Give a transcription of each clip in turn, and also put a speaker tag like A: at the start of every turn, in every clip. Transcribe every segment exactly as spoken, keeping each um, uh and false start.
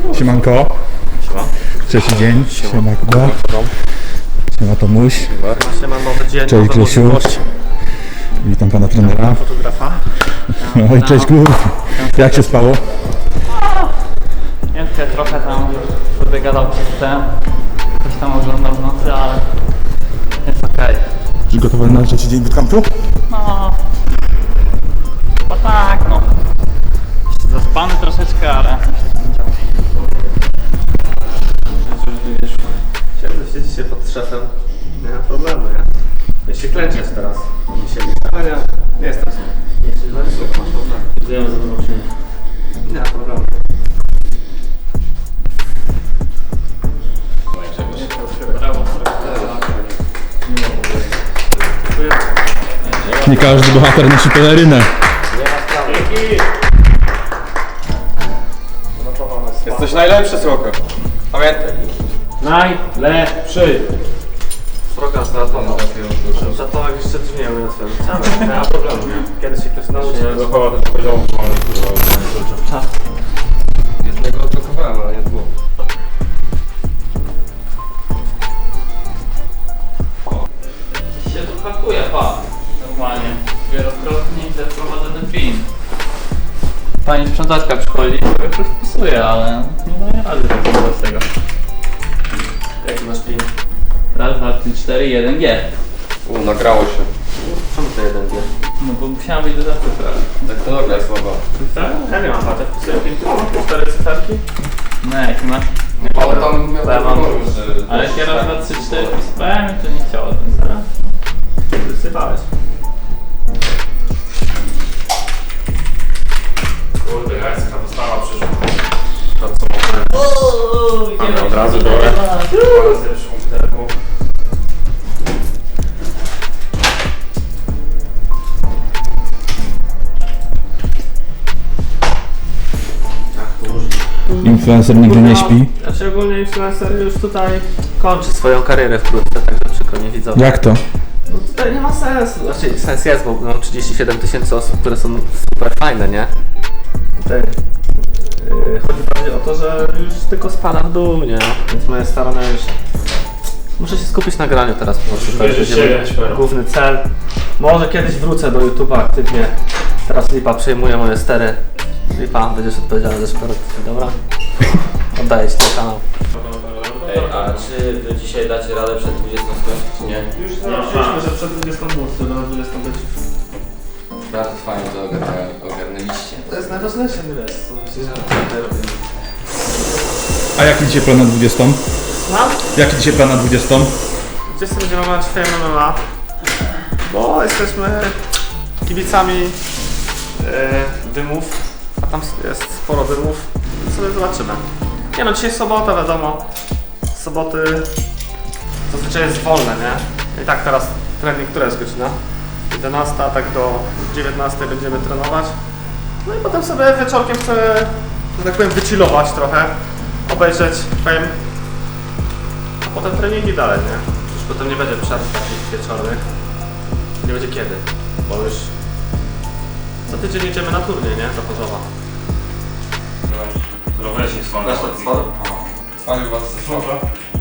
A: Siemanko.
B: Siema.
A: Trzeci dzień. Siema, Siema Kuba. Siema Tomuś.
B: Siema, nowy dzień,
A: cześć Grzesiu. Witam pana trenera.
B: Fotografa.
A: No i cześć Kuba. Jak się spało?
C: Więcej trochę tam sobie gadał przez ten. Coś tam oglądał w nocy, ale jest okej. Okay.
A: Przygotowany na trzeci dzień bootcampu?
C: No, chyba tak, no. Jeszcze zaspany troszeczkę, ale
B: Siedzę, siedzi się pod szefem. Nie ma problemu, nie? Ja się klęczesz teraz. Nie siedzi. Ale nie, nie jestem sobie. Nie jesteś za wysoko, masz problem.
C: wiem, że to się
B: Nie ma problemu.
A: Nie każdy bohater nosi pelerynę.
D: Jesteś najlepszy, Słoko. Pamiętaj.
C: najlepszy.
B: Program za to. Za to jak jeszcze drzwi nie umiem otworzyć. Nie ma problemu, nie? Kiedyś się ktoś nauczy.
D: Dochowa też poziomu, kurwa. Jednego odblokowałem, ale nie dwóch.
C: Się tu hakuje, pa. Normalnie. Wielokrotnie źle wprowadzony pin. Pani sprzątaczka przychodzi i sobie coś wpisuje, ale nie daje rady tak z tego.
B: Jaki masz pin?
C: Raz, dwa, trzy, cztery, jeden, G.
D: U, nagrało się.
B: Czemu to jeden wie?
C: No bo musiałem być do zacyfra.
D: Technologia jest słaba.
B: Tak? Ja nie mam patrzeć. Wpisuję pin tylko cztery cyferki.
C: No jaki masz?
D: Ale tam miał
B: Ja mam-
D: wyboru, że...
C: Ale jak ja raz, dwa, trzy, cztery wpisywałem i to nie chciało ten zaraz.
B: Wysypałeś.
D: Kurde, jajska dostawa przyszła. To co mogę.
C: Ooo,
D: Ale od razu biorę. Biorę sobie przy komputerku.
A: Influencer nigdy nie śpi.
B: Znaczy ogólnie influencer już tutaj kończy swoją karierę wkrótce, także przykro nie widzowie.
A: Jak to?
B: No tutaj nie ma sensu. Znaczy sens jest, bo mam trzydzieści siedem tysięcy osób, które są super fajne, nie? Tutaj yy, chodzi bardziej o to, że już tylko spada w dół, nie? Więc moje starania już... Muszę się skupić na graniu teraz po prostu. To będzie mój główny cel. Może kiedyś wrócę do YouTube'a aktywnie. Teraz Lipa przejmuje moje stery. Lipa, będziesz odpowiedzialny za szkodę, dobra? Oddaję Ci ten kanał.
E: Ej, a czy wy dzisiaj dacie radę przed dwudziestą skończyć, czy nie?
B: Już zaczęliśmy, że przed dwudziestą móc, to na dwudziestą być.
D: Bardzo fajnie to ogarnia- ogarnęliście.
B: To jest najważniejsze, nie wiesz, co myślisz, że tutaj robimy.
A: A jaki dzisiaj plan na dwudziestą?
B: Mam?
A: Jaki dzisiaj plan na dwudziestą?
B: Gdzieś sobie będziemy mać Fame M M A, bo jesteśmy kibicami e, dymów, a tam jest sporo dymów, więc sobie zobaczymy. Nie no, dzisiaj sobota, wiadomo, z soboty zazwyczaj jest wolne, nie? I tak teraz trening, która jest godzina? jedenasta, tak do dziewiętnastej będziemy trenować. No i potem sobie wieczorkiem chcę, że tak powiem, wychillować trochę, obejrzeć Fame, a potem treningi dalej, nie? Już potem nie będzie przerw takich wieczornych. Nie będzie kiedy, bo już co tydzień jedziemy na turniej, nie? Do Chorzowa.
D: Weź nie słonę. Spalił was ze słowa.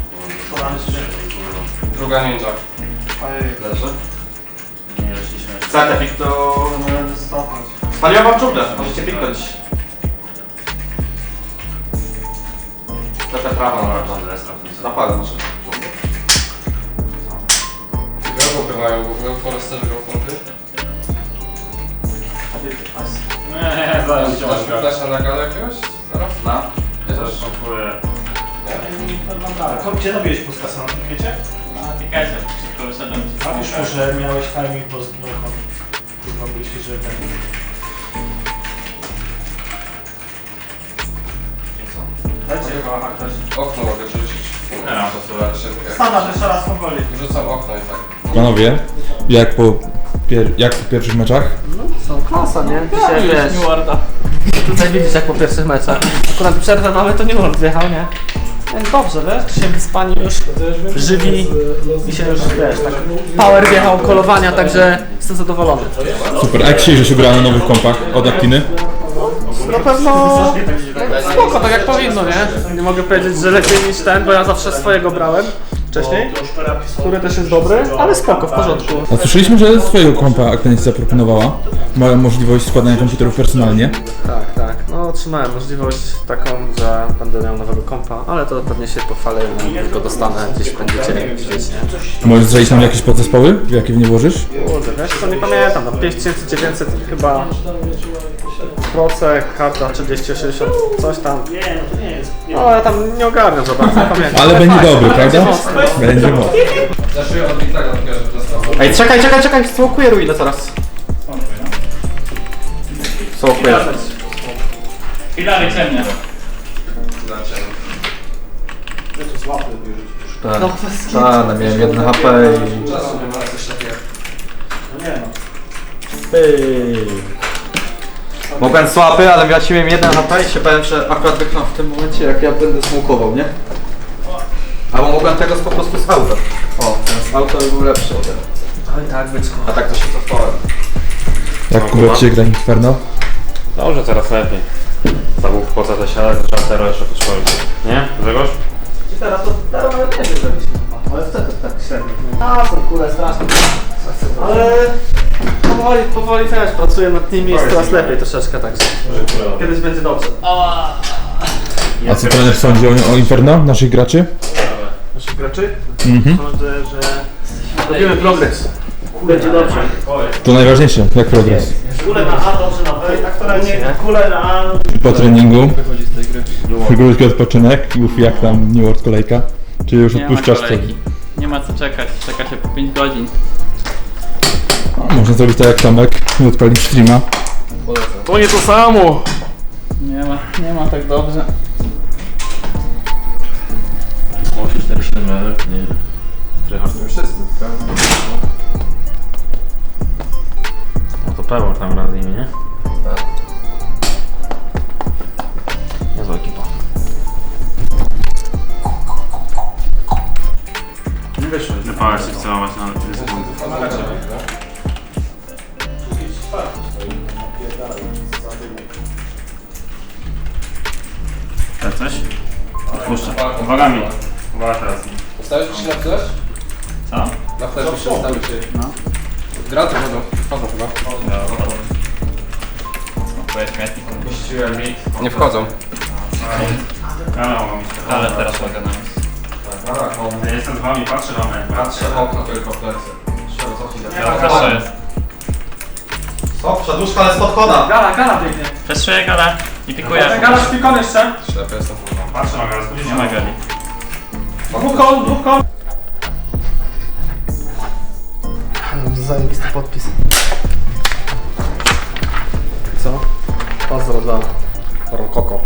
D: Druga ninja. Leży.
E: Nie weszliśmy.
D: Chcecie pik to... Spaliła wam dżunglę, możecie piknąć. Taka prawa na razie. Napadę może. Gałupy mają, w Foresterze gałupy.
E: Nie, nie, zaraz się
D: Dasz mi flasha na galę jakiegoś? Zaraz?
E: Na?
D: Ja
E: Zaraz
D: też.
E: kupuję.
F: Gdzie robiłeś puskasa na tym wiecie?
C: A pikajcie, szybko wyszedłem ci.
F: A już może miałeś timing, bo zginął kon. Kurwa, myślisz, że ten... Dajcie chyba hakać.
D: Okno mogę rzucić.
E: Nie, no, to sobie
D: Szybkie.
F: Standard jeszcze raz powoli.
D: Rzucam okno i tak.
A: Panowie, jak po, pier jak po pierwszych meczach?
B: Są klasa, nie? Dzisiaj wiesz,
C: New Warda.
B: tutaj widzisz jak po pierwszych meczach. Akurat przerwę mamy, to nie World wjechał, nie? Więc dobrze, wiesz? Dzisiaj wyspani już, żywi i się już, wiesz, tak power wjechał, kolowania, także jestem zadowolony.
A: Super, a jak dzisiaj, że się gra na nowych kompach od Actiny?
B: na pewno spoko, tak jak powinno, nie? Nie mogę powiedzieć, że lepiej niż ten, bo ja zawsze swojego brałem wcześniej, który też jest dobry, ale spoko, w porządku.
A: A słyszeliśmy, że swojego kompa Actinic zaproponowała. Mają możliwość składania komputerów personalnie.
B: Tak, tak. No otrzymałem możliwość taką, że będę miał nowego kompa, ale to pewnie się pochwalę, jak go dostanę, gdzieś będziecie widzieć, nie?
A: Możesz zdradzić nam jakieś podzespoły, w jakie w nie włożysz?
B: Kurde, wiesz co, nie pamiętam, no pięć tysięcy dziewięćset chyba procek, karta trzydzieści osiemdziesiąt, coś tam.
F: Nie, no to nie jest. Nie.
B: No ja tam nie ogarniam za bardzo, nie pamiętam.
A: Ale będzie
B: fajnie,
A: dobry,
B: będzie
A: prawda?
B: mocno.
A: Będzie mocno.
D: Zaszyję od Wiktora, że dostał.
B: Ej, czekaj, czekaj, czekaj, smokuję ruinę teraz. Smokuję.
C: I dalej ciemnie.
D: Tak,
B: No,
D: tak, no miałem jedno H P i...
F: Czasu nie ma coś takiego. No nie no.
D: Mogłem słaby, ale miałem jeden H P i się bałem, że akurat wychnął w tym momencie, jak ja będę smokował, nie? Albo mogłem tego po prostu z auta. O, ten z auta by był lepszy ode mnie.
B: Oj tak, byczku.
D: A tak to się cofałem.
A: Jak Kuba ci gra Inferno?
G: Dobrze, teraz lepiej. Zabóg po co to siadać, trzeba teraz jeszcze podszkolić. Nie? Grzegorz?
B: Teraz to teraz nawet nie wiem, zrobić, ale wtedy tak średnio. A, są kule straszne. Ale powoli, powoli też pracuję nad nimi, jest coraz lepiej troszeczkę, także kiedyś będzie dobrze.
A: A co trener sądzi o, o Inferno, naszych graczy?
B: Naszych graczy?
A: Mhm.
B: Sądzę, że robimy progres. Będzie dobrze.
A: To najważniejsze, jak progres.
F: Kule na A, dobrze na B, tak to nie. Kule na A.
A: Po treningu, krótki odpoczynek, mów jak tam New World kolejka. Czy już
C: Nie ma
A: odpuszczasz to?
C: kolejki. Nie ma co czekać, czeka się po pięć godzin.
A: Można zrobić tak jak Tomek i odpalić streama.
B: To nie to samo!
C: Nie ma, nie ma tak dobrze.
G: osiem cztery siedem, nie. Tryhard.
D: Wszyscy, tak?
G: No to Pewor tam gra z nimi, nie?
D: Tak.
G: Niezła ekipa.
B: Nie wyszło.
G: Wypałeś się wcelować na dwie sekundy. Tak coś? Odpuszczę. Uwagami. Uwaga teraz.
D: Ustawisz się na flash?
C: Co?
D: Na flash się ustawisz się.
C: No.
D: Graty chodzą, chodzą chyba.
C: Smokuję śmietnik.
G: Puściłem mit.
D: Nie wchodzą.
G: Ale mogą mieć.
C: Ale teraz mogę na miejscu.
D: Tak,
G: Ja jestem z wami, patrzę na mnie.
D: patrzę okno tylko w plecy. Trzeba cofnąć.
C: Ja też jest.
D: Co? Przedłużka, ale spod koda.
B: Gala, gala biegnie.
C: Przestrzeję gala i pikuję.
B: Gala szpikon jeszcze.
D: Ślepy jestem.
G: Patrzę na gaz,
C: Nie ma gali.
B: Dwóch kol, dwóch kol. Zajebisty podpis. Co? Pozdro dla Rokoko.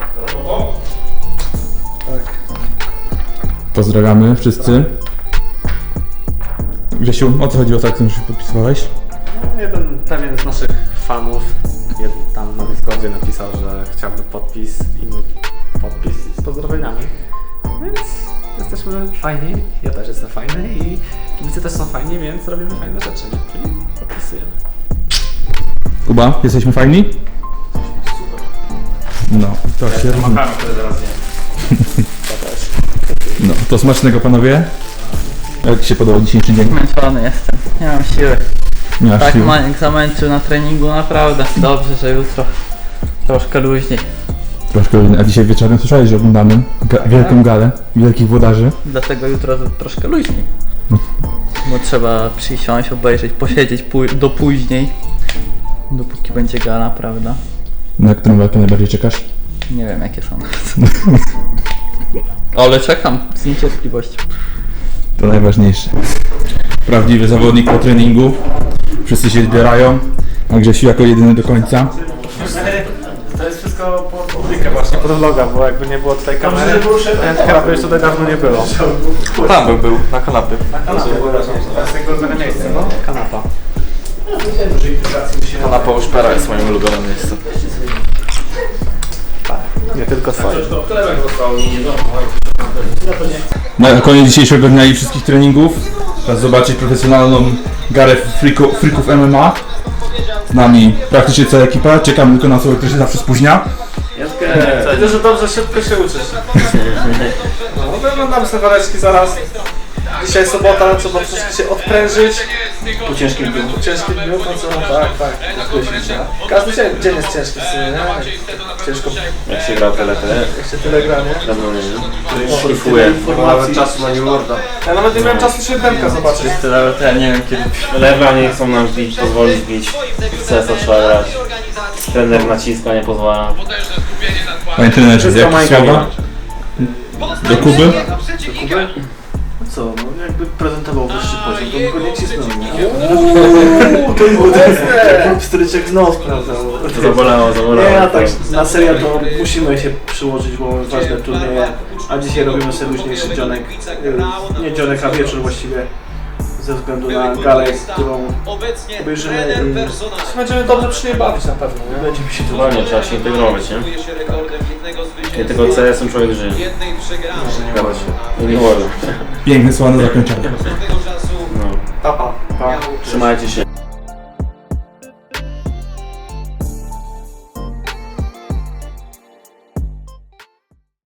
B: Tak.
A: Pozdrawiamy wszyscy. Grzesiu, o co chodziło tak, że się podpisywałeś?
B: No, jeden pewien z naszych fanów jed, tam na Discordzie napisał, że chciałby podpis i mój podpis z pozdrowieniami. Więc jesteśmy fajni, ja też jestem fajny i kibice też są fajni, więc robimy fajne rzeczy, nie? Czyli podpisujemy.
A: Kuba, jesteśmy fajni? No, to się rozumie.
G: Makaron, który zaraz nie.
A: No, to smacznego panowie. Jak ci się podobał dzisiejszy dzień?
C: Zmęczony jestem, nie mam siły.
A: Nie masz
C: Tak
A: siły.
C: Maniek zamęczył na treningu, naprawdę. Dobrze, że jutro troszkę luźniej.
A: Troszkę, a dzisiaj wieczorem słyszałeś, że oglądamy ga wielką galę wielkich włodarzy.
C: Dlatego jutro to troszkę luźniej. Bo trzeba przysiąść, obejrzeć, posiedzieć pój do później. Dopóki będzie gala, prawda?
A: Na którą walkę najbardziej czekasz?
C: Nie wiem jakie są. Ale czekam z niecierpliwością.
A: To najważniejsze. Prawdziwy zawodnik po treningu. Wszyscy się zbierają, a Grzesiu jako jedyny do końca.
B: To jest wszystko pod publikę właśnie, pod vloga, bo jakby nie było tutaj kamery, to kanapy już tutaj dawno nie było.
D: Tam bym był, na kanapie.
B: Kanapy było ważniejsze, to jest jego ulubione miejsce, no? Kanapa.
D: Kanapa u Szpera jest moim ulubionym miejscem.
B: Nie tylko twoje.
A: Na koniec dzisiejszego dnia i wszystkich treningów czas zobaczyć profesjonalną garę friku, frików M M A. z nami praktycznie cała ekipa. Czekamy tylko na osobę, która się zawsze spóźnia.
B: Eee, widzę, że dobrze, szybko się uczysz. No, wyglądamy sobie waleczki zaraz. Dzisiaj sobota, trzeba troszkę się odprężyć.
F: Po ciężkim dniu.
B: Po ciężkim dniu, to co? Tak, tak. Każdy dzień, dzień jest ciężki w sumie, nie? Ciężko,
G: Jak się gra tyle, tyle.
B: jak się tyle gra, nie?
G: Dawno nie wiem.
B: Szlifuję.
F: Nawet czasu na New Worlda.
B: Ja nawet nie miałem czasu się Demka zobaczyć.
C: Tyle, to ja nie wiem kiedy.
G: Lewa nie chcą nam bić, pozwolić bić. W C S a trzeba grać. Trener naciska, nie pozwala.
A: Panie trenerze,
G: Wszystko
A: jakie
G: Majka
A: słowa do Kuby?
F: Co, no jakby prezentował wyższy poziom, to by go nie cisnął, nie?
B: Uuu, to jest mocne!
F: Pstryczek w nos, prawda?
G: To zabolało, zabolało.
F: Nie, a tak na serio to musimy się przyłożyć, bo mamy ważne turnieje, a dzisiaj robimy sobie luźniejszy dzionek, y, nie dzionek, a wieczór właściwie, ze względu na galę, którą obejrzymy i
B: Będziemy dobrze przy niej bawić na pewno, nie?
F: będziemy się tu
G: Dokładnie, trzeba się integrować, nie? Nie tylko C S em człowiek żyje. Zgadza się. Nie wolno.
A: Piękne słowa na zakończenie.
G: No.
B: Pa, pa.
F: pa.
G: Trzymajcie się.